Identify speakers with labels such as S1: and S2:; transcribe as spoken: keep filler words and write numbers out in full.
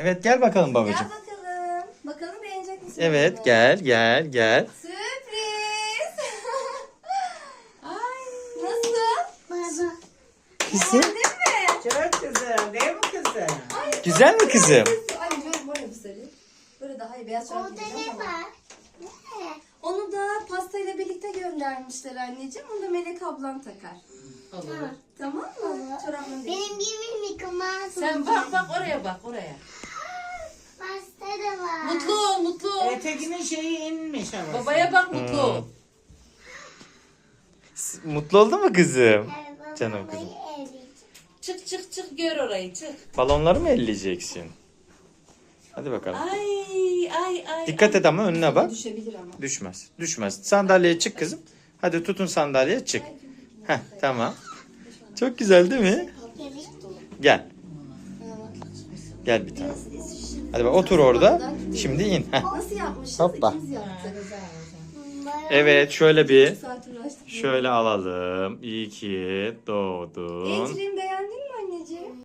S1: Evet gel bakalım
S2: Gel
S1: babacığım.
S2: bakalım. Bakalım beğenecek misin?
S1: Evet
S2: bunu?
S1: gel gel gel.
S2: Sürpriz. Ay. Nasıl?
S3: Baba.
S1: Kızım.
S2: Beğendin mi?
S4: Çok güzel değil mi kızım?
S2: Ay,
S1: Güzel mi kızım?
S2: Ay diyorum böyle bu sarı. Böyle daha iyi beyaz çorap
S3: Orada
S2: giyeceğim
S3: ne
S2: ama.
S3: var? Ne?
S2: Onu da pastayla birlikte göndermişler anneciğim. Onu da Melek ablan takar.
S4: Olur.
S2: Tamam mı? Çoraplarını değil.
S3: Benim gibi Mickey Mouse
S5: Sen
S3: olacak.
S5: bak bak oraya bak oraya.
S3: Pasta da var.
S5: Mutlu ol mutlu ol.
S4: Etekinin şeyi inmiş ama.
S5: Babaya bak mutlu ol.
S1: Mutlu oldun mu kızım?
S3: Evet, baba,
S1: Canım
S3: babayı
S1: kızım.
S3: evleyeceğim.
S5: Çık çık çık gör orayı çık.
S1: Balonları mı elleyeceksin? Hadi bakalım.
S5: Ay ay ay.
S1: Dikkat et ama önüne bak.
S2: Düşebilir ama.
S1: Düşmez. Düşmez. Sandalyeye çık kızım. Hadi tutun sandalyeye çık. Heh tamam. Çok güzel değil mi?
S3: Evet.
S1: Gel. Gel bir tane. Hadi bak otur orada. Şimdi in. Heh.
S2: Nasıl yapmışız?
S1: Hoppa.
S2: İkimiz yaptık.
S1: Evet şöyle bir.
S2: Saat uğraştık.
S1: Şöyle alalım. İyi ki doğdun.
S2: Ecrin beğendin mi anneciğim?